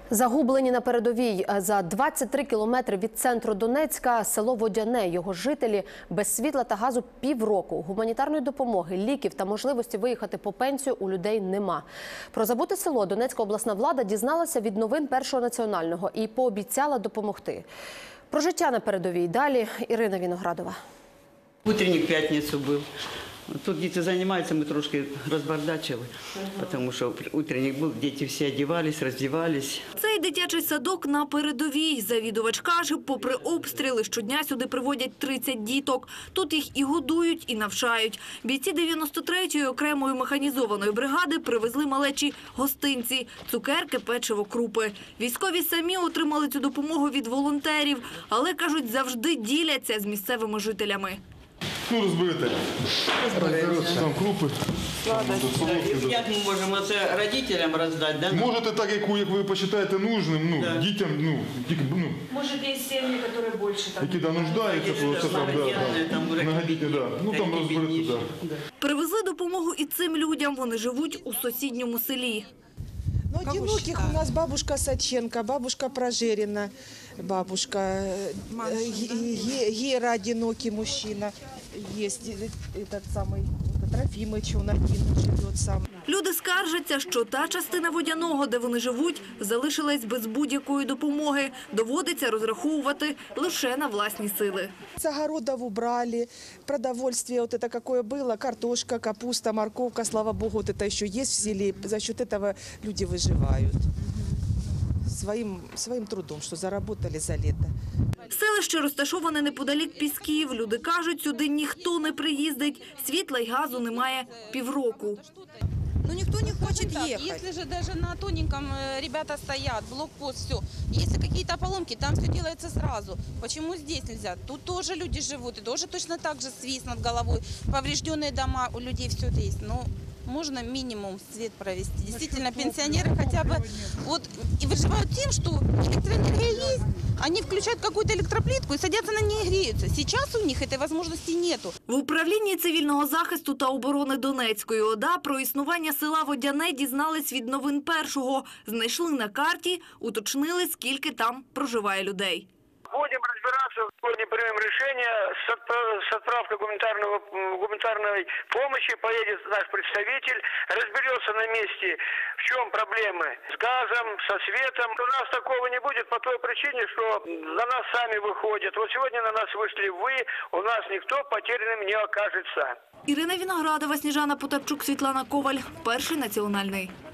Загублені на передовій. За 23 кілометри від центру Донецька село Водяне. Його жителі без світла та газу півроку. Гуманітарної допомоги, ліків та можливості виїхати по пенсію у людей нема. Про забуте село Донецька обласна влада дізналася від новин Першого національного і пообіцяла допомогти. Про життя на передовій далі Ірина Віноградова. Утренник в п'ятницю був. Тут діти займаються, ми трошки розбардачили, тому що утренник був, діти всі одягались, роздягались. Цей дитячий садок на передовій. Завідувач каже, попри обстріли, щодня сюди приводять 30 діток. Тут їх і годують, і навчають. Бійці 93-ї окремої механізованої бригади привезли малечі гостинці – цукерки, печиво, крупи. Військові самі отримали цю допомогу від волонтерів, але, кажуть, завжди діляться з місцевими жителями. Ну, розберете. Там крупи. Як ми можемо це родителям роздати? Да? Можете так, як ви вважаєте нужним, дітям, Может, есть семьи, которые больше там. які нуждаються, просто там, многодітні, ну там розберете, Привезли допомогу і цим людям. Вони живуть у сусідньому селі. Ну, одиноких у нас бабушка Саченко, бабушка Прожерина, бабушка Гера, одинокий мужчина, есть этот самый Трофимыч, он один живет сам. Люди скаржаться, що та частина Водяного, де вони живуть, залишилась без будь-якої допомоги. Доводиться розраховувати лише на власні сили. С огородов убрали, продовольствие вот это какое было, картошка, капуста, морковка, слава богу, вот это еще есть в селе. За счет этого люди выживают своим трудом, что заработали за лето. Селище розташоване неподалік Пісків. Люди кажуть, сюди ніхто не приїздить. Світла й газу немає півроку. Ну никто не хочет ехать. Если же даже на тоненьком ребята стоят, блокпост, все. Если какие-то поломки, там все делается сразу. Почему здесь нельзя? Тут тоже люди живут, и тоже точно так же свист над головой. Поврежденные дома, у людей все это есть. Но можно минимум свет провести. Действительно, пенсионеры хотя бы вот и выживают тем, что электроэнергия есть. Они включают какую-то электроплитку и садятся на ней и греются. Сейчас у них этой возможности нету. В управлінні цивільного захисту та оборони Донецької ОДА про існування села Водяне дізнались від новин Першого. Знайшли на карті, уточнили, скільки там проживає людей. Будем разбираться, сегодня примем решение с отправкой гуманитарной помощи. Поедет наш представитель, разберется на месте, в чем проблемы с газом, со светом. У нас такого не будет по той причине, что на нас сами выходят. Вот сегодня на нас вышли вы, у нас никто потерянным не окажется. Ірина Віноградова, Сніжана Потапчук, Світлана Коваль. Перший національний.